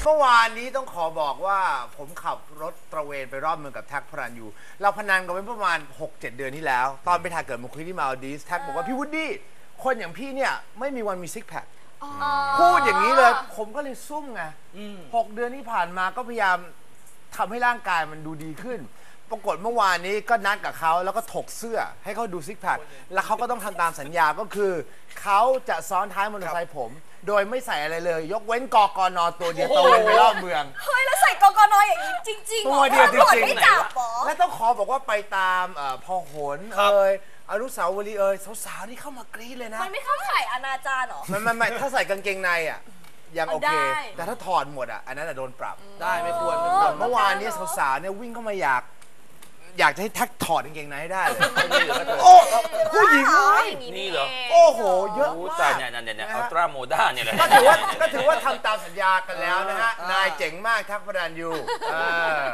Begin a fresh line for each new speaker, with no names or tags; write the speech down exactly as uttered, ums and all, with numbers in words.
มื่อวานนี้ต้องขอบอกว่าผมขับรถตระเวนไปรอบเมืองกับแท็กพระรันยูเราพนันกันไว้ประมาณ หกเจ็ด เดือนที่แล้วตอนไปถ่ายเกิดมาคุยที่มาลดีฟแท็กบอกว่าพี่วูดดี้คนอย่างพี่เนี่ยไม่มีวันมีซิกแพคพูดอย่างนี้เลยผมก็เลยซุ่มไงหกเดือนที่ผ่านมาก็พยายามทำให้ร่างกายมันดูดีขึ้นปรากฏเมื่อวานนี้ก็นัดกับเขาแล้วก็ถกเสื้อให้เขาดูซิกแพคแล้วเขาก็ต้องทำตามสัญญาก็คือเขาจะซ้อนท้ายมอเตอร์ไซค์ผมโดยไม่ใส่อะไรเลยยกเว้นกกนตัวเดียวตะเวนไปรอบเมือง
เฮ้ยแล้วใส่กกนอย่างนี้จริงๆ
ตัวเดียวจริงๆ
ไม่จับหรอ
และต้องขอบอกว่าไปตามพอหนเอ่ยอนุสาวรีย์เอ่ยสาวๆนี่เข้ามากรี๊ดเลยนะ
มันไม่เข้าข่ายอนาจารหรอ
ไม่ไม่ไม่ถ้าใส่กางเกงในอ่ะยังโอเคแต่ถ้าถอดหมดอ่ะอันนั้นโดนปรับ
ได้ไม่ควร
เมื่อวานนี้สาวๆเนี่ยวิ่งเข้ามาอยากอยากจะให้แท็กถอดกางเกงในให้ได้โอ้ผู้หญิง
นี่เหรอ
โอ้โหเยอะมาก
เนี่ยเนี่ยเนี่ยอัลตร้าโมด้าเนี่ยแหละ
ก็ถือว่าก็ถือว่าทำตามสัญญากันแล้วนะฮะนายเจ๋งมากแท็กพระรันยู